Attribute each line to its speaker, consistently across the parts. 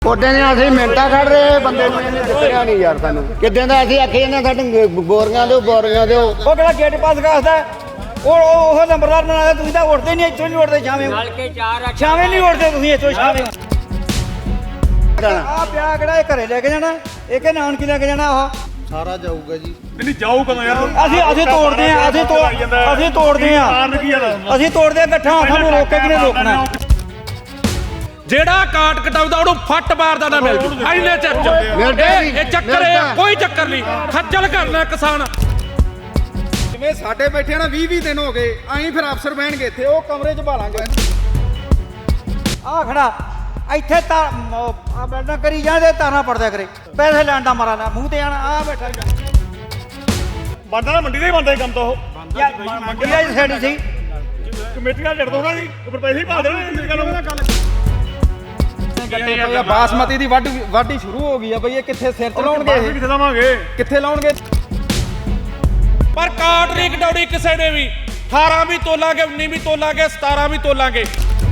Speaker 1: ਉਹਦੇ ਨੇ ਅਸੀਂ ਮਿੰਟਾਂ ਕੱਢ ਰਹੇ ਬੰਦੇ ਨੂੰ ਇਹਨੇ ਦਿੱਤਿਆ ਨਹੀਂ ਯਾਰ ਸਾਨੂੰ ਕਿੱਦਾਂ ਦਾ ਅਸੀਂ ਆਖੇ ਇਹਨਾਂ ਸਾਡੇ ਬੋਰੀਆਂ ਦਿਓ ਉਹ
Speaker 2: ਕਿਹੜਾ ਗੇਟ ਪਾਸ ਕਰਦਾ ਉਹ ਨੰਬਰਦਾਰ ਬਣਾਇਆ ਤੁਸੀਂ ਤਾਂ ਉੱਠਦੇ ਨਹੀਂ ਇੱਥੋਂ ਨਹੀਂ ਉੱਠਦੇ ਛਾਵੇਂ ਨਹੀਂ ਉੱਠਦੇ ਤੁਸੀਂ ਇੱਥੋਂ ਛਾਵੇਂ ਆ ਪਿਆ ਕਿਹੜਾ ਇਹ ਘਰੇ ਲੈ ਕੇ ਜਾਣਾ ਇਹ ਕਿ ਨਾਨਕੀ ਲੈ ਕੇ ਜਾਣਾ ਉਹ
Speaker 3: ਸਾਰਾ ਜਾਊਗਾ ਜੀ
Speaker 4: ਨਹੀਂ ਜਾਊ ਕਦੋਂ ਯਾਰ
Speaker 2: ਅਸੀਂ ਤੋੜਦੇ ਆ ਅਸੀਂ ਤੋੜਦੇ ਆ ਇਕੱਠਾ ਸਾਨੂੰ ਰੋਕੇ ਕਿ ਨਹੀਂ ਰੋਕਣਾ
Speaker 5: ਜਿਹੜਾ ਕਾਟ ਕਟਾਉਂਦਾ ਉਹਨੂੰ ਫੱਟ ਮਾਰਦਾ ਨਾ ਮਿਲ ਜੂ ਐਨੇ ਚਿਰ ਚ ਇਹ ਚੱਕਰ ਹੈ ਕੋਈ ਚੱਕਰ ਨਹੀਂ ਖੱਜਲ ਕਰਨਾ ਕਿਸਾਨ
Speaker 3: ਜਿਵੇਂ ਸਾਡੇ ਬੈਠੇ ਨਾ 20 ਦਿਨ ਹੋ ਗਏ ਆਈ ਫਿਰ ਅਫਸਰ ਬਹਿਣਗੇ ਇੱਥੇ ਉਹ ਕਮਰੇ 'ਚ ਭਾਲਾਂਗੇ
Speaker 2: ਆ ਖੜਾ ਇੱਥੇ ਤਾਂ ਆ ਬੈਠਾ ਕਰੀ ਜਾਂਦੇ ਤਾਰਾਂ ਪੜਦਿਆ ਕਰੇ ਪੈਸੇ ਲੈਣ ਦਾ ਮਾਰਾ ਨਾ ਮੂੰਹ ਤੇ ਆਣਾ ਆ ਬੈਠਾ
Speaker 4: ਬੰਦਾ ਨਾ ਮੰਡੀ ਦਾ ਹੀ ਬੰਦਾ ਕੰਮ ਤਾਂ ਉਹ
Speaker 2: ਮੰਡੀ ਆ ਸਾਡੀ ਸੀ
Speaker 4: ਕਮੇਟੀਆਂ ਲੜ ਦੋਗਾ ਜੀ ਉੱਪਰ ਪੈਸੇ ਹੀ ਪਾ ਦੇਣਾ ਗੱਲ
Speaker 3: ਬਾਸਮਤੀ ਦੀ ਵਾਢੀ ਸ਼ੁਰੂ ਹੋ ਗਈ ਆ ਬਈ ਇਹ ਕਿੱਥੇ ਸਿਰ ਤੇ ਲਾਉਣਗੇ
Speaker 4: ਕਿੱਥੇ ਲਾਵਾਂਗੇ
Speaker 3: ਕਿੱਥੇ ਲਾਉਣਗੇ
Speaker 5: ਪਰ ਕਾਟ ਨਹੀਂ ਕਟਾਉਣੀ ਕਿਸੇ ਨੇ ਵੀ 18 ਵੀ ਤੋਲਾਂਗੇ 19 ਵੀ ਤੋਲਾਂਗੇ 17 ਵੀ ਤੋਲਾਂਗੇ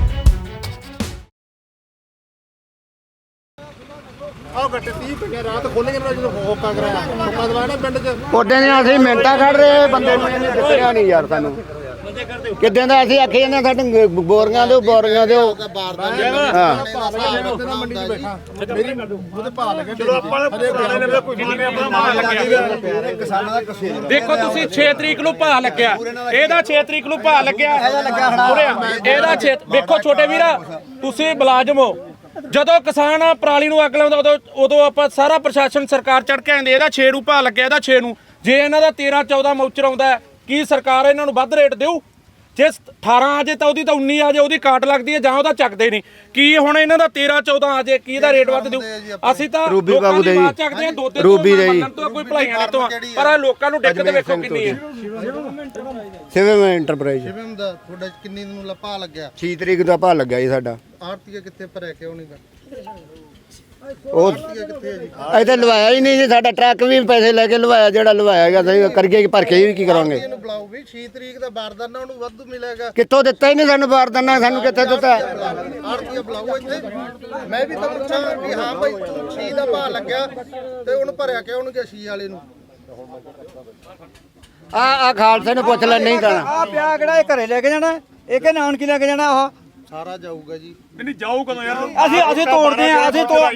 Speaker 3: ਆਹ ਗੱਟੇ 30 ਪਿੰਡੇ ਰਾਤ ਖੋਲੇਗੇ ਨਾ ਜਦੋਂ ਹੋਕਾ ਕਰਾਇਆ ਹੋਕਾ ਦਵਾਣਾ ਪਿੰਡ 'ਚ
Speaker 1: ਉਹਦੇ ਨੇ ਅਸੀਂ ਮਿੰਟਾਂ ਕੱਢ ਰਹੇ ਬੰਦੇ ਨੂੰ ਇਹਨੇ ਦਿੱਤਿਆ ਨਹੀਂ ਯਾਰ ਸਾਨੂੰ ਕਿੱਦਾਂ ਦਾ ਅਸੀਂ ਆਖੇ ਇਹਨਾਂ ਸਾਡੇ ਬੋਰੀਆਂ ਦਿਓ ਹਾਂ
Speaker 3: ਮੰਡੀ 'ਚ ਬੈਠਾ ਮੇਰੀ ਉਹਦੇ ਭਾਅ ਲੱਗੇ
Speaker 4: ਚਲੋ ਆਪਾਂ ਪੁਰਾਣੇ ਨੇ ਕੋਈ ਨਹੀਂ ਆਪਣਾ ਮਾਰ ਲੱਗਿਆ
Speaker 3: ਕਿਸਾਨਾਂ ਦਾ ਕਸੇ
Speaker 5: ਦੇਖੋ ਤੁਸੀਂ 6 ਤਰੀਕ ਨੂੰ ਭਾਅ ਲੱਗਿਆ ਇਹਦਾ 6 ਤਰੀਕ ਨੂੰ ਭਾਅ ਲੱਗਿਆ ਇਹਦਾ 6 ਵੇਖੋ ਛੋਟੇ ਵੀਰਾ ਤੁਸੀਂ ਮੁਲਾਜ਼ਮ ਹੋ ਜਦੋਂ ਕਿਸਾਨ ਪਰਾਲੀ ਨੂੰ ਅੱਗ ਲਾਉਂਦਾ ਉਦੋਂ ਆਪਾਂ ਸਾਰਾ ਪ੍ਰਸ਼ਾਸਨ ਸਰਕਾਰ ਚੜ ਕੇ ਆਂਦੇ ਇਹਦਾ 6 ਨੂੰ ਭਾਅ ਲੱਗਿਆ ਇਹਦਾ 6 ਨੂੰ ਜੇ ਇਹਨਾਂ ਦਾ 13 14 ਮੌਚਰ ਆਉਂਦਾ ਕੀ ਸਰਕਾਰ ਇਹਨਾਂ ਨੂੰ ਵੱਧ ਰੇਟ ਦੇਊ ਜੇ 18 ਆ ਜੇ ਤਾਂ ਉਹਦੀ ਤਾਂ 19 ਆ ਜੇ ਉਹਦੀ ਕਾਟ ਲੱਗਦੀ ਹੈ ਜਾਂ ਉਹਦਾ ਚੱਕਦੇ ਨਹੀਂ ਕੀ ਹੁਣ ਇਹਨਾਂ ਦਾ 13 14 ਆ ਜੇ ਕੀ ਇਹਦਾ ਰੇਟ ਵੱਧ ਦੇਊ ਅਸੀਂ ਤਾਂ
Speaker 1: ਰੂਬੀ ਬਾਬੂ ਦੇ
Speaker 5: ਬਾਤ ਚੱਕਦੇ ਆ ਦੋ ਤਿੰਨ
Speaker 1: ਰੂਬੀ ਦੇ
Speaker 5: ਤੋਂ ਕੋਈ ਭਲਾਈਆਂ ਨਹੀਂ ਤੋਂ ਪਰ ਲੋਕਾਂ ਨੂੰ ਦਿੱਕਤ ਵੇਖੋ ਕਿੰਨੀ ਹੈ
Speaker 1: ਸਿਵਮ ਇੰਟਰਪ੍ਰਾਈਜ਼
Speaker 3: ਸ਼ਿਵਮ ਦਾ ਤੁਹਾਡਾ ਕਿੰਨੀ ਨੂੰ ਲੱਪਾ ਲੱਗਿਆ
Speaker 1: 6 ਤਰੀਕ ਦਾ ਭਾਅ ਲੱਗਿਆ ਜੀ ਸਾਡਾ
Speaker 3: ਆਰਤੀਆ ਕਿੱਥੇ ਭਰਿਆ ਕਿਉਂ ਨਹੀਂ ਗਾ
Speaker 1: ਉਹ
Speaker 3: ਕਿੱਥੇ ਹੈ ਜੀ
Speaker 1: ਇੱਥੇ ਲਵਾਇਆ ਹੀ ਨਹੀਂ ਜੀ ਸਾਡਾ ਟਰੱਕ ਵੀ ਪੈਸੇ ਲੈ ਕੇ ਲਵਾਇਆ ਜਿਹੜਾ ਲਵਾਇਆ ਗਿਆ ਸਹੀ ਕਰਕੇ ਭਰ ਕੇ ਵੀ ਕੀ ਕਰਾਂਗੇ
Speaker 3: ਇਹਨੂੰ ਬੁਲਾਓ ਵੀ 6 ਤਰੀਕ ਦਾ ਬਾਰਦਾਨਾ ਉਹਨੂੰ ਵਾਧੂ ਮਿਲੇਗਾ
Speaker 1: ਕਿੱਥੋਂ ਦਿੱਤਾ ਹੀ ਨਹੀਂ ਸਾਨੂੰ ਬਾਰਦਾਨਾ ਸਾਨੂੰ ਕਿੱਥੇ ਦਿੱਤਾ
Speaker 3: ਆਰਤੀਆ ਬੁਲਾਓ ਇੱਥੇ ਮੈਂ ਵੀ ਤਾਂ ਪੁੱਛਾਂ ਵੀ ਹਾਂ ਭਾਈ 6 ਦਾ ਭਾਅ ਲੱਗਿਆ ਤੇ ਉਹਨੂੰ ਭਰਿਆ ਕਿਉਂ ਨਹੀਂ ਗਿਆ 6 ਵਾਲੇ ਨੂੰ
Speaker 1: ਆ ਖਾਲਸੇ ਨੂੰ ਪੁੱਛ ਲੈ ਨਹੀਂ ਜਾਣਾ
Speaker 2: ਆ ਪਿਆ ਕਿਹੜਾ ਇਹ ਘਰੇ ਲੈ ਕੇ ਜਾਣਾ ਇਹ ਕਿ ਨਾਨਕੀ ਲੈ ਕੇ ਜਾਣਾ ਉਹ
Speaker 3: ਸਾਰਾ ਜਾਊਗਾ ਜੀ
Speaker 4: ਨਹੀਂ ਜਾਊ ਕਦੋਂ ਯਾਰ
Speaker 2: ਅਸੀਂ ਤੋੜਦੇ ਆ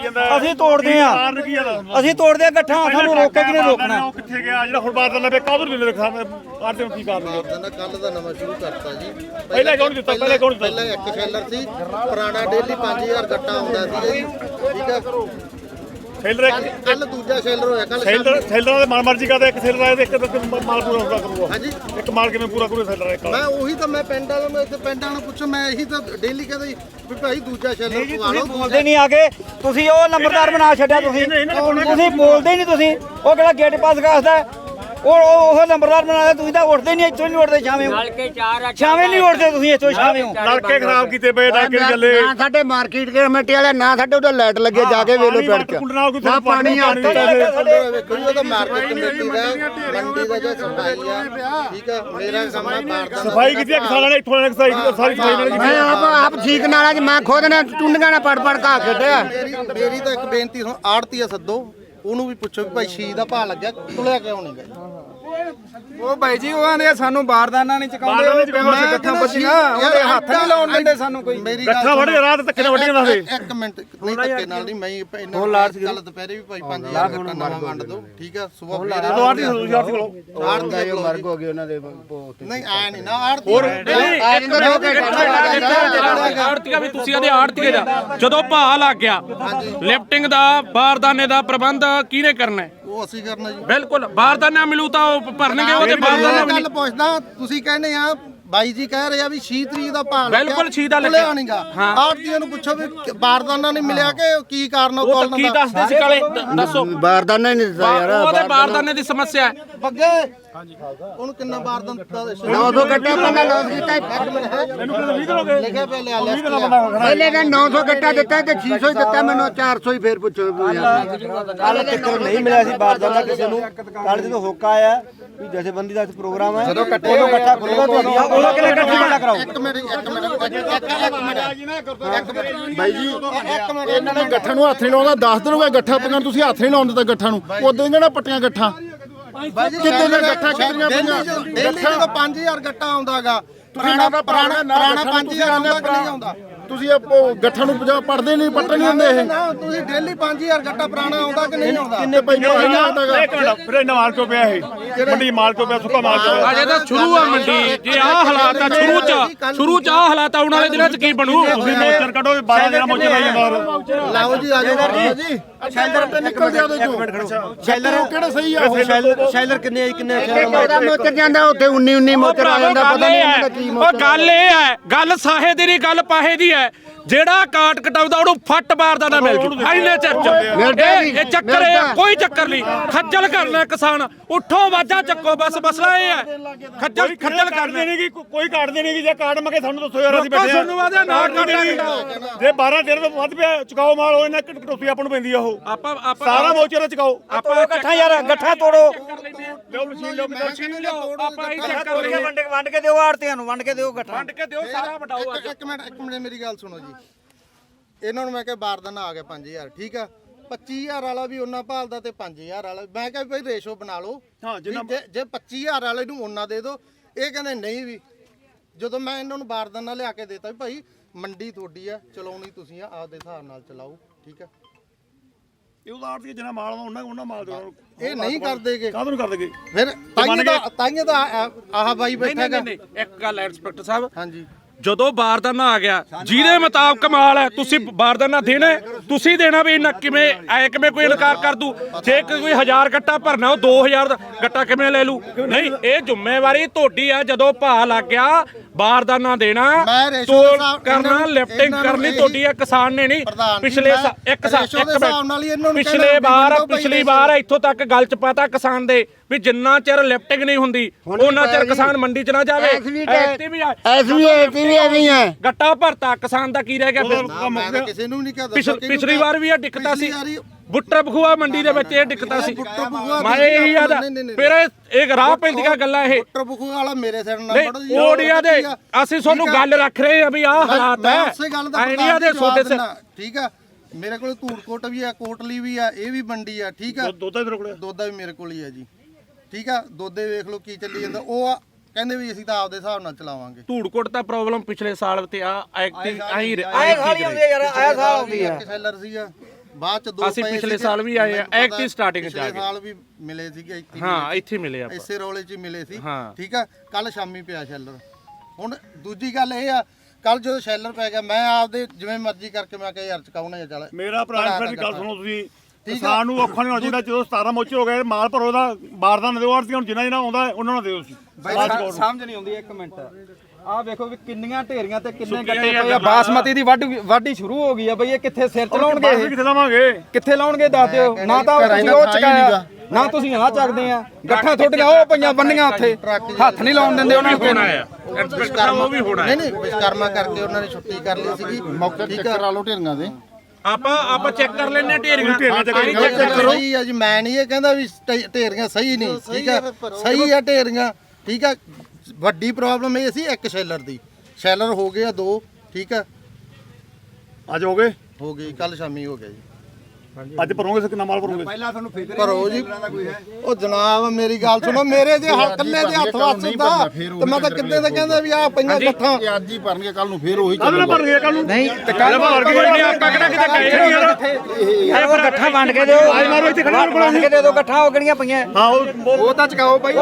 Speaker 2: ਅਸੀਂ ਤੋੜਦੇ ਆ ਇਕੱਠਾ ਸਾਨੂੰ ਰੋਕੇ ਕਿ ਨਹੀਂ ਰੋਕਣਾ
Speaker 4: ਉਹ ਕਿੱਥੇ ਗਿਆ ਜਿਹੜਾ ਹੁਣ ਬਾਤ ਲੱਗੇ ਕਾਹਦੋਂ ਨਹੀਂ ਰੱਖਾ ਆਟੇ ਨੂੰ ਕੀ ਕਰ ਲਿਆ
Speaker 3: ਬਾਰਦਾਨਾ ਕੱਲ ਦਾ ਨਵਾਂ ਸ਼ੁਰੂ ਕਰਤਾ ਜੀ
Speaker 4: ਪਹਿਲਾਂ ਕੌਣ ਦਿੱਤਾ
Speaker 3: ਪਹਿਲਾਂ ਇੱਕ ਸ਼ੈਲਰ ਸੀ ਪੁਰਾਣਾ ਡੇਲੀ 5000 ਗੱਟਾ ਆਉਂਦਾ ਸੀ ਜੀ ਠੀਕ ਹੈ
Speaker 4: ਸੇਲਰ
Speaker 3: ਕੱਲ ਦੂਜਾ ਸ਼ੈਲਰ ਹੋਇਆ ਕੱਲ
Speaker 4: ਸੇਲਰਾਂ ਦੇ ਮਰਜ਼ੀ ਕਰਦਾ ਇੱਕ ਸੇਲਰ ਆਏ ਤੇ ਇੱਕ ਮਾਲ ਪੂਰਾ ਹੋਊਗਾ ਕਰੂਗਾ
Speaker 3: ਹਾਂਜੀ
Speaker 4: ਇੱਕ ਮਾਲ ਕਿਵੇਂ ਪੂਰਾ ਕਰੂ ਸੇਲਰ ਇੱਕ
Speaker 3: ਮੈਂ ਉਹੀ ਤਾਂ ਮੈਂ ਪਿੰਡ ਵਾਲਿਆਂ ਨੂੰ ਇੱਥੇ ਪਿੰਡ ਵਾਲਿਆਂ ਨੂੰ ਪੁੱਛਾਂ ਮੈਂ ਇਹੀ ਤਾਂ ਡੇਲੀ ਕਹਿੰਦਾ ਜੀ ਵੀ ਭਾਈ ਦੂਜਾ ਸ਼ੈਲਰ ਪਵਾ ਲਓ
Speaker 2: ਬੋਲਦੇ ਨਹੀਂ ਆਗੇ ਤੁਸੀਂ ਉਹ ਨੰਬਰਦਾਰ ਬਣਾ ਛੱਡਿਆ ਤੁਸੀਂ ਬੋਲਦੇ ਨਹੀਂ ਤੁਸੀਂ ਉਹ ਕਿਹੜਾ ਗੇਟ ਪਾਸ ਕਰਦਾ ਉਹ ਨੰਬਰਦਾਰ ਬਣਾਇਆ ਤੁਸੀਂ ਤਾਂ ਉੱਠਦੇ ਨਹੀਂ ਇੱਥੋਂ ਨਹੀਂ ਉੱਠਦੇ ਛਾਵੇਂ ਨਹੀਂ ਉੱਠਦੇ ਤੁਸੀਂ ਇੱਥੋਂ ਛਾਵੇਂ
Speaker 4: ਨਲਕੇ ਖਰਾਬ ਕੀਤੇ ਪਏ ਨਲਕੇ ਦੀ ਗੱਲੇ
Speaker 1: ਨਾ ਸਾਡੇ ਮਾਰਕੀਟ ਕਮੇਟੀ ਵਾਲੇ ਨਾ ਸਾਡੇ ਉਹਦਾ ਲਾਈਟ ਲੱਗੇ ਜਾ ਕੇ ਵੇਲੋ ਪਿੰਡ ਚ ਨਾ ਪਾਣੀ ਆ
Speaker 3: ਵੇਖੋ ਜੀ ਉਹਦਾ ਮਾਰਕੀਟ ਕਮੇਟੀ ਦਾ ਮੰਡੀ ਦਾ ਜੋ ਸਫਾਈ ਆ ਠੀਕ ਆ ਮੇਰਾ ਕੰਮ ਆ ਬਾਰਦਾਨਾ
Speaker 4: ਸਫਾਈ ਕੀਤੀ ਕਿਸਾਨਾਂ ਨੇ ਇੱਥੋਂ ਸਾਰੀ ਸਫਾਈ ਨਾਲ
Speaker 1: ਮੈਂ ਆਪ ਠੀਕ ਨਾਲ ਮੈਂ ਖੁਦ ਨੇ ਟੁੰਡੀਆਂ ਨਾਲ ਪੜ ਘਾ ਖੇਡਿਆ
Speaker 3: ਮੇਰੀ ਤਾਂ ਇੱਕ ਬੇਨਤੀ ਹੁਣ ਆੜਤੀਆ ਸੱਦੋ ਉਹਨੂੰ ਵੀ ਪੁੱਛੋ ਵੀ ਭਾਈ 6 ਦਾ ਭਾਅ ਲੱਗਿਆ ਤੁਲਿਆ ਕਿਉਂ ਨਹੀਂ ਗਿਆ
Speaker 6: ਉਹ ਭਾਈ ਜੀ ਉਹ ਆਂਦੇ ਸਾਨੂੰ ਬਾਰਦਾਨਾ ਨਹੀਂ ਚਕਾਉਂਦੇ ਉਹ ਗੱਠਾਂ ਬੱਜੀਆਂ ਉਹਦੇ ਹੱਥ ਨਹੀਂ ਲਾਉਣ ਦਿੰਦੇ ਸਾਨੂੰ ਕੋਈ
Speaker 3: ਮੇਰੀ
Speaker 4: ਗੱਠਾ ਵੜ ਰਾਤ ਧੱਕੇ ਨਾਲ ਵੱਡੀਆਂ ਦੱਸਦੇ
Speaker 3: ਇੱਕ ਮਿੰਟ ਨਹੀਂ ਧੱਕੇ ਨਾਲ ਨਹੀਂ ਮੈਂ ਇਹਨਾਂ ਕੱਲ ਦੁਪਹਿਰੇ ਵੀ ਭਾਈ 5000 ਗੱਟਾ ਨਵਾਂ ਵੰਡ ਦੋ ਠੀਕ ਆ ਸਵੇਰ
Speaker 4: ਲੋ ਆਰਤੀ ਯਾਰ ਕੋਲ
Speaker 3: ਆੜਤੀ
Speaker 1: ਮਰਗ ਹੋ ਗਏ ਉਹਨਾਂ ਦੇ
Speaker 3: ਨਹੀਂ ਆਇਆ ਨਹੀਂ ਨਾ ਆੜਤੀ
Speaker 5: ਆੜਤੀਆ ਵੀ ਤੁਸੀਂ ਆਦੇ ਆੜਤੀਏ ਦਾ ਜਦੋਂ ਭਾਅ ਲੱਗ ਗਿਆ ਲਿਫਟਿੰਗ ਦਾ ਬਾਰਦਾਨੇ ਦਾ ਪ੍ਰਬੰਧ ਕਿਹਨੇ ਕਰਨਾ
Speaker 3: ਉਹ ਅਸੀਂ ਕਰਨਾ ਜੀ
Speaker 5: ਬਿਲਕੁਲ ਬਾਰਦਾਨਾ ਮਿਲੂ ਤਾਂ ਉਹ ਭਰਨਗੇ ਉਹਦੇ ਬਾਰਦਾਨਾ
Speaker 3: ਗੱਲ ਪੁੱਛਦਾ ਤੁਸੀਂ ਕਹਿੰਦੇ ਆ ਬਾਈ ਜੀ ਕਹਿ ਰਹੇ ਆ ਵੀ 6 ਤਰੀਕ ਦਾ ਭਾਅ
Speaker 5: ਬਿਲਕੁਲ 6 ਦਾ ਲੱਗਿਆ
Speaker 3: ਨਹੀਂਗਾ ਆੜਤੀਆਂ ਨੂੰ ਪੁੱਛੋ ਵੀ ਬਾਰਦਾਨਾ ਨਹੀਂ ਮਿਲਿਆ ਕਿ ਕੀ ਕਾਰਨ ਉਹ
Speaker 5: ਕੀ ਦੱਸਦੇ ਸੀ ਕਾਲੇ ਦੱਸੋ
Speaker 1: ਬਾਰਦਾਨਾ ਹੀ ਨਹੀਂ ਦਿੱਤਾ ਯਾਰ
Speaker 5: ਉਹਦੇ ਬਾਰਦਾਨੇ ਦੀ ਸਮੱਸਿਆ ਹੈ
Speaker 3: ਬੱਗੇ ਉਹਨੂੰ ਕਿੰਨਾ ਬਾਰਦਾਨਾ ਦਿੱਤਾ
Speaker 1: 900 ਗੱਟਾ ਪਹਿਲਾਂ ਲਾਸ ਕੀਤਾ
Speaker 3: ਲਿਖਿਆ ਪਿਆ ਲਿਆ ਲਿਸਟ
Speaker 1: ਪਹਿਲੇ ਦਿਨ 900 ਗੱਟਾ ਦਿੱਤਾ ਤੇ 600 ਹੀ ਦਿੱਤਾ ਮੈਨੂੰ 400 ਹੀ ਫੇਰ ਪੁੱਛੋ
Speaker 2: ਕੱਲ ਤੱਕ ਨਹੀਂ ਮਿਲਿਆ ਸੀ ਬਾਰਦਾਨਾ ਕਿਸੇ ਨੂੰ। ਕੱਲ ਜਦੋਂ ਹੋਕਾ ਆਇਆ ਵੀ ਜਥੇਬੰਦੀ ਦਾ ਪ੍ਰੋਗਰਾਮ ਹੈ ਉਦੋਂ ਇਕੱਠਾ ਖੁੱਲ੍ਹੇਗਾ ਤੁਹਾਡੀ ਉਦੋਂ ਕਿਹਨੇ ਇਕੱਠਾ ਕਰਾਓ।
Speaker 3: ਇੱਕ ਮਿੰਟ
Speaker 4: ਬਾਈ ਜੀ ਇਹਨਾਂ ਨੇ ਗੱਠਾਂ ਨੂੰ ਹੱਥ ਨਹੀਂ ਲਾਉਂਦਾ 10 ਦਿਨ ਹੋ ਗਏ ਗੱਠਾ ਪਈਆਂ ਤੁਸੀਂ ਹੱਥ ਨਹੀਂ ਲਾਉਣ ਦਿੱਤਾ ਗੱਠਾਂ ਨੂੰ ਉਦੋਂ ਇਹਨਾਂ ਪੱਟੀਆਂ ਗੱਠਾਂ
Speaker 3: ਕਿੱਥੇ ਨੇ ਗੱਠਾ ਕਿੰਨੀਆਂ ਪਈਆਂ ਦਿੱਲੀ ਤੋਂ 5000 ਗੱਟਾ ਆਉਂਦਾਗਾ ਪੁਰਾਣਾ 5000 ਆਉਂਦਾ ਕਿ ਨਹੀਂ ਆਉਂਦਾ
Speaker 4: ਤੁਸੀਂ ਗੱਠਾਂ ਨੂੰ ਪੜਦੇ ਨਹੀਂ ਪੱਟਣ ਨਹੀਂ ਹੁੰਦੇ ਇਹ
Speaker 3: ਨਾ ਤੁਸੀਂ ਡੇਲੀ 5000 ਗੱਟਾ ਪੁਰਾਣਾ ਆਉਂਦਾ ਕਿ ਨਹੀਂ ਆਉਂਦਾ
Speaker 4: ਕਿੰਨੇ ਪੈਸੇ ਆਉਂਦਾਗਾ ਫਿਰ ਇਹਨਾਂ ਮਾਲ ਚੋਂ ਪਿਆ ਇਹ ਮੰਡੀ ਮਾਲ ਚੋਂ ਪਿਆ ਸੁੱਕਾ ਮਾਲ ਚੋਂ ਪਿਆ
Speaker 5: ਅਜੇ ਤਾਂ ਸ਼ੁਰੂ ਆ ਮੰਡੀ ਜੇ ਆਹ ਹਾਲਾਤ ਆ ਸ਼ੁਰੂ ਚ ਆਹ ਹਾਲਾਤ ਆਉਣ ਵਾਲੇ ਦਿਨਾਂ ਚ ਕੀ ਬਣੂ।
Speaker 4: ਤੁਸੀਂ ਮੋਚਰ ਕੱਢੋ 12 ਦਿਨਾਂ ਮੋਚਰ ਲਾਈ ਜਾਂਦਾ
Speaker 3: ਲਾਓ ਜੀ ਆ ਜਾਓ ਜੀ
Speaker 4: ਸ਼ੈਲਰ ਤੇ ਨਿਕਲ ਗਿਆ ਉਹਦੇ ਚੋਂ ਸ਼ੈਲਰ ਕਿਹੜਾ ਸਹੀ ਆ ਉਹ
Speaker 2: ਸ਼ੈਲਰ ਕਿੰਨੇ ਕਿੰਨੇ
Speaker 1: 14 ਮੋਚਰ ਜਾਂਦਾ ਉੱਥੇ 19 ਮੋਚਰ ਆ ਜਾਂਦਾ ਪਤਾ ਨਹੀਂ ਇਹਨਾਂ ਦਾ ਕੀ
Speaker 5: ਉਹ ਗੱਲ ਇਹ ਹੈ ਗੱਲ ਸਾਹੇ ਦੀ ਨਹੀਂ ਗੱਲ ਪਾਹੇ ਦੀ ਹੈ। ਜਿਹੜਾ ਕਾਟ ਕਟਾਉਂਦਾ ਉਹਨੂੰ ਫੱਟ ਮਾਰਦਾ ਨਾ ਮਿਲ ਜੂ ਐਨੇ ਚਿਰ ਚ ਇਹ ਚੱਕਰ ਇਹ ਆ, ਕੋਈ ਚੱਕਰ ਨਹੀਂ। ਖੱਜਲ ਕਰਨਾ ਕਿਸਾਨ ਉੱਠੋ ਵਾਜਾ ਚੱਕੋ ਬਸ ਮਸਲਾ ਇਹ ਹੈ ਖੱਜਲ
Speaker 4: ਕਰਦੇ ਨਹੀਂ ਕੋਈ ਕਾਟਦੇ ਨਹੀਂ ਜੇ ਕਾਟ ਮਗੇ ਸਾਨੂੰ ਦੱਸੋ ਯਾਰ ਅਸੀਂ ਬੈਠੇ ਆ
Speaker 5: ਤੁਹਾਨੂੰ ਵਾਦਾ ਨਾ ਕੱਟਣਾ
Speaker 4: ਜੇ 12 ਦਿਨ ਤੋਂ ਵੱਧ ਪਿਆ ਚੁਕਾਓ ਮਾਲ ਉਹ ਇਹਨਾਂ ਕਟੌਤੀ ਆਪਾਂ ਨੂੰ ਪੈਂਦੀ ਆ ਉਹ
Speaker 5: ਆਪਾਂ
Speaker 4: ਸਾਰਾ ਮੋਚਰ ਚੁਕਾਓ
Speaker 2: ਆਪਾਂ ਇਕੱਠਾ ਯਾਰ ਗੱਠਾ ਤੋੜੋ
Speaker 4: ਲਿਓ ਮਸ਼ੀਨ ਲਿਓ
Speaker 5: ਆਪਾਂ ਇਹ ਚੱਕਰ ਲਈਏ
Speaker 2: ਵੰਡ ਕੇ ਦਿਓ ਆੜਤੀਆਂ ਨੂੰ ਵੰਡ ਕੇ ਦਿਓ ਗੱਠਾ
Speaker 5: ਵੰਡ ਕੇ ਦਿਓ ਸਾਰਾ ਵਟਾਓ
Speaker 3: ਇੱਕ ਮਿੰਟ ਮੇਰੀ ਗੱਲ ਸੁਣੋ ਜੀ। ਇਹਨਾਂ ਨੂੰ ਮੈਂ ਕਿਹਾ ਬਾਰਦਾਨਾ ਆ ਗਿਆ 5000 ਠੀਕ ਆ 25000 ਵਾਲਾ ਵੀ ਉਹਨਾਂ ਭਾਲਦਾ ਤੇ 5000 ਵਾਲਾ ਮੈਂ ਕਿਹਾ ਭਾਈ ਰੇਸ਼ੋ ਬਣਾ ਲਓ ਜੇ 25000 ਵਾਲੇ ਨੂੰ ਉਹਨਾਂ ਦੇ ਦਿਓ ਇਹ ਕਹਿੰਦੇ ਨਹੀਂ ਵੀ ਜਦੋਂ ਮੈਂ ਇਹਨਾਂ ਨੂੰ ਬਾਰਦਾਨਾ ਲਿਆ ਕੇ ਦੇਤਾ ਵੀ ਭਾਈ ਮੰਡੀ ਤੁਹਾਡੀ ਆ ਚਲਾਉਣੀ ਤੁਸੀਂ ਆ ਆਪਦੇ ਹਿਸਾਬ ਨਾਲ ਚਲਾਓ ਠੀਕ ਆ
Speaker 4: ਇਹ ਉਦਾਰ ਦੀ ਜਿੰਨਾ ਮਾਲ ਉਹਨਾਂ ਮਾਲ ਦੋ
Speaker 3: ਇਹ ਨਹੀਂ ਕਰਦੇਗੇ
Speaker 4: ਕਾਹਦੋਂ ਨਹੀਂ ਕਰਦੇਗੇ
Speaker 3: ਫਿਰ ਤਾਈਆਂ ਦਾ ਆਹ ਬਾਈ ਬੈਠਾ ਹੈਗਾ
Speaker 5: ਨਹੀਂ ਇੱਕ ਗੱਲ ਹੈ ਇੰਸਪੈਕਟਰ ਸਾਹਿਬ
Speaker 3: ਹਾਂਜੀ
Speaker 5: ਜਦੋਂ ਬਾਰਦਾਨਾ ਆ ਗਿਆ ਜਿਹਦੇ ਮੁਤਾਬਕ ਮਾਲ ਹੈ ਤੁਸੀਂ ਬਾਰਦਾਨਾ ਦੇਣਾ ਤੁਸੀਂ ਦੇਣਾ ਵੀ ਇਹਨਾਂ ਕਿਵੇਂ ਐ ਕਿਵੇਂ ਕੋਈ ਇਨਕਾਰ ਕਰ ਦੂ ਜੇ ਕੋਈ 1000 ਗੱਟਾ ਭਰਨਾ ਉਹ 2000 ਦਾ ਗੱਟਾ ਕਿਵੇਂ ਲੈ ਲੂ ਨਹੀਂ ਇਹ ਜ਼ਿੰਮੇਵਾਰੀ ਤੁਹਾਡੀ ਆ ਜਦੋਂ ਭਾਅ ਲੱਗ ਗਿਆ ਬਾਰਦਾਨਾ ਦੇਣਾ ਤੋਲ ਕਰਨਾ ਲਿਫਟਿੰਗ ਕਰਨੀ ਤੁਹਾਡੀ ਆ ਕਿਸਾਨ ਨੇ ਨਹੀਂ ਪਿਛਲੇ ਪਿਛਲੀ ਵਾਰ ਇੱਥੋਂ ਤੱਕ ਗੱਲ ਚ ਪਤਾ ਕਿਸਾਨ ਦੇ ਵੀ ਜਿੰਨਾ ਚਿਰ ਲਿਫਟਿੰਗ ਨਹੀਂ ਹੁੰਦੀ ਉਹਨਾਂ ਚਿਰ ਕਿਸਾਨ ਮੰਡੀ ਚ ਨਾ ਜਾਵੇ ਗੱਟਾ ਭਰਤਾ ਕਿਸਾਨ ਦਾ ਕੀ ਰਹਿ ਗਿਆ ਫਿਰ
Speaker 3: ਕਿਸੇ ਨੂੰ ਨਹੀਂ ਕਹਦਾ
Speaker 5: ਪਿਛਲੀ ਵਾਰ ਵੀ ਇਹ ਦਿੱਕਤਾਂ ਸੀ ਬੁੱਟਰ ਬਖੂਆ ਮੰਡੀ ਦੇ ਵਿੱਚ ਇਹ ਦਿੱਕਤਾਂ ਸੀ ਮੈਂ ਇਹੀ ਆਦਾ ਫਿਰ ਇਹ ਰਾਹ ਪੈਂਦੀਆਂ ਗੱਲਾਂ ਇਹ
Speaker 3: ਬੁੱਟਰ ਬਖੂਆ ਵਾਲਾ ਮੇਰੇ ਸਿਰ ਨਾਲ ਪੜੋ ਜੀ
Speaker 5: ਓਡੀਆ ਦੇ ਅਸੀਂ ਤੁਹਾਨੂੰ ਗੱਲ ਰੱਖ ਰਹੇ ਆ ਵੀ ਆਹ ਹਾਲਾਤ ਹੈ
Speaker 3: ਉਸੇ ਗੱਲ ਦਾ
Speaker 5: ਆਈਡੀਆ ਦੇ ਸੋਡੇ ਸੇ
Speaker 3: ਠੀਕ ਆ ਮੇਰੇ ਕੋਲ ਧੂੜਕੋਟ ਵੀ ਆ ਕੋਟਲੀ ਵੀ ਆ ਇਹ ਵੀ ਮੰਡੀ ਆ ਠੀਕ ਆ
Speaker 4: ਦੋਦਾ ਮੇਰੇ ਕੋਲ
Speaker 3: ਦੋਦਾ ਵੀ ਮੇਰੇ ਕੋਲ ਹੀ ਆ ਜੀ ਠੀਕ ਆ ਦੋਦੇ ਵੇਖ ਲਓ ਕੀ ਚੱਲੀ ਜਾਂਦਾ ਉਹ ਕਹਿੰਦੇ ਵੀ ਅਸੀਂ ਤਾਂ ਆਪਦੇ ਹਿਸਾਬ ਨਾਲ ਚਲਾਵਾਂਗੇ
Speaker 5: ਧੂੜਕੋਟ ਦਾ ਪ੍ਰੋਬਲਮ ਪਿਛਲੇ ਸਾਲ ਤੇ ਆ ਐਕਟਿਵ ਆਈ
Speaker 2: ਸਾਲ ਆਉਂਦੀ ਯਾਰ ਆਇਆ ਸਾਲ ਆਉਂਦੀ ਆ
Speaker 3: ਸੈਲਰ ਸੀਗਾ ਬਾਅਦ ਚ ਦੋ
Speaker 5: ਅਸੀਂ ਪਿਛਲੇ ਸਾਲ ਵੀ ਆਏ ਆ ਐਕਟਿਵ ਸਟਾਰਟਿੰਗ ਚ ਆ
Speaker 3: ਪਿਛਲੇ ਸਾਲ ਵੀ ਮਿਲੇ ਸੀਗੇ ਇੱਥੇ
Speaker 5: ਹਾਂ ਇੱਥੇ ਮਿਲੇ ਆਪਾਂ
Speaker 3: ਇਸੇ ਰੋਲੇ 'ਚ ਹੀ ਮਿਲੇ ਸੀ
Speaker 5: ਹਾਂ।
Speaker 3: ਠੀਕ ਆ ਕੱਲ ਸ਼ਾਮੀ ਪਿਆ ਸ਼ੈਲਰ ਹੁਣ ਦੂਜੀ ਗੱਲ ਇਹ ਆ ਕੱਲ ਜਦੋਂ ਸ਼ੈਲਰ ਪੈ ਗਿਆ ਮੈਂ ਆਪਦੇ ਜਿਵੇਂ ਮਰਜ਼ੀ ਕਰਕੇ ਮੈਂ ਕਿਹਾ ਯਾਰ ਚਕਾਉਣਾ ਜਾਂ ਚੱਲ
Speaker 4: ਮੇਰਾ ਭਰਾ ਫਿਰ ਗੱਲ ਸੁਣੋ ਤੁਸੀਂ ਕਿਸਾਨ ਨੂੰ ਔਖਾ ਨਹੀਂ ਹੋਣਾ ਚਾਹੀਦਾ ਜਦੋਂ 17 ਮੋਚੇ ਹੋ ਗਏ ਮਾਲ ਭਰੋ ਦਾ ਬਾਰਦਾਨਾ ਦਿਓ ਆੜਤੀਆਂ ਹੁਣ ਜਿੰਨਾ ਆਉਂਦਾ ਉਹਨਾਂ ਨੂੰ ਦਿਓ ਤੁਸੀਂ
Speaker 6: ਸਮਝ ਨਹੀਂ ਆਉਂਦੀ ਇੱਕ ਮਿੰਟ ਆਹ ਵੇਖੋ ਵੀ ਕਿੰਨੀਆਂ ਢੇਰੀਆਂ ਤੇ ਕਿੰਨੇ ਗੱਟੇ ਪਏ ਆ ਬਾਸਮਤੀ ਦੀ ਵਾਢੀ ਸ਼ੁਰੂ ਹੋ ਗਈ ਆ ਬਈ ਇਹ ਕਿੱਥੇ ਸਿਰ ਚ ਲਾਉਣਗੇ ਇਹ
Speaker 4: ਕਿੱਥੇ ਲਾਵਾਂਗੇ
Speaker 6: ਕਿੱਥੇ ਲਾਉਣਗੇ ਦੱਸ ਦਿਓ ਨਾ ਤਾਂ ਤੁਸੀਂ ਉਹ ਚਕਾਇਆ ਨਾ ਤੁਸੀਂ ਆਹ ਚੱਕਦੇ ਆ ਗੱਠਾਂ ਤੁਹਾਡੀਆਂ ਉਹ ਪਈਆਂ ਬੰਨੀਆਂ ਉੱਥੇ ਹੱਥ ਨਹੀਂ ਲਾਉਣ ਦਿੰਦੇ ਉਹਨਾਂ ਨੂੰ
Speaker 5: ਇੰਸਪੈਕਟਰ ਉਹ ਵੀ ਹੋਣਾ
Speaker 3: ਨਹੀਂ ਵਿਸ਼ਕਰਮਾ ਕਰਕੇ ਉਹਨਾਂ ਨੇ ਛੁੱਟੀ ਕਰ ਲਈ ਸੀਗੀ ਮੌਕੇ ਤੇ ਕਰਾ ਲਓ ਢੇਰੀਆਂ ਦੇ
Speaker 5: ਆਪਾਂ ਚੈੱਕ ਕਰ ਲੈਣੇ ਢੇਰੀਆਂ
Speaker 3: ਸਹੀ ਆ ਜੀ ਮੈਂ ਨਹੀਂ ਇਹ ਕਹਿੰਦਾ ਵੀ ਢੇਰੀਆਂ ਸਹੀ ਨਹੀਂ ਠੀਕ ਆ ਸਹੀ ਆ ਢੇਰੀਆਂ ਠੀਕ ਆ ਵੱਡੀ ਪ੍ਰੋਬਲਮ ਇਹ ਸੀ ਇੱਕ ਸ਼ੈਲਰ ਦੀ ਸ਼ੈਲਰ ਹੋ ਗਏ ਆ 2 ਠੀਕ ਆ
Speaker 4: ਅੱਜ ਹੋ ਗਏ
Speaker 3: ਕੱਲ ਸ਼ਾਮੀ ਹੋ ਗਿਆ ਜੀ
Speaker 4: ਅੱਜ ਭਰੋਗੇ ਕਿੰਨਾ ਮਾਲ ਭਰੋਗੇ
Speaker 3: ਭਰੋ ਜੀ ਉਹ ਜਨਾਬ ਮੇਰੀ ਗੱਲ ਸੁਣੋ ਮੇਰੇ ਜੇ ਕੱਲੇ ਦੇ ਹੱਥ ਵੱਸ ਹੁੰਦਾ ਤੇ ਮੈਂ ਤਾਂ ਕਿੱਦਾਂ ਦਾ ਕਹਿੰਦਾ ਵੀ ਆ ਪਈਆਂ ਗੱਠਾਂ
Speaker 4: ਅੱਜ ਹੀ ਭਰਨਗੇ ਕੱਲ ਨੂੰ ਫੇਰ ਉਹੀ ਚੱਲਣਾ ਭਰਨਗੇ ਕੱਲ ਨੂੰ
Speaker 5: ਨਹੀਂ ਤੇ ਕੱਲ ਭਰ ਕੇ ਨਹੀਂ ਆਪਾਂ ਕਿਹੜਾ ਕਿਤੇ ਗਏ ਨਹੀਂ ਯਾਰ
Speaker 2: ਉਹ ਗੱਠਾ ਵੰਡ ਕੇ ਦਿਓ
Speaker 4: ਮਾਰੋ ਇੱਥੇ ਖੜਾ
Speaker 2: ਵੰਡ ਕੇ ਦੇ ਦਿਓ ਗੱਠਾ ਹੋ ਗਣੀਆਂ ਪਈਆਂ
Speaker 4: ਹਾਂ
Speaker 6: ਉਹ ਤਾਂ ਚਕਾਓ ਬਾਈ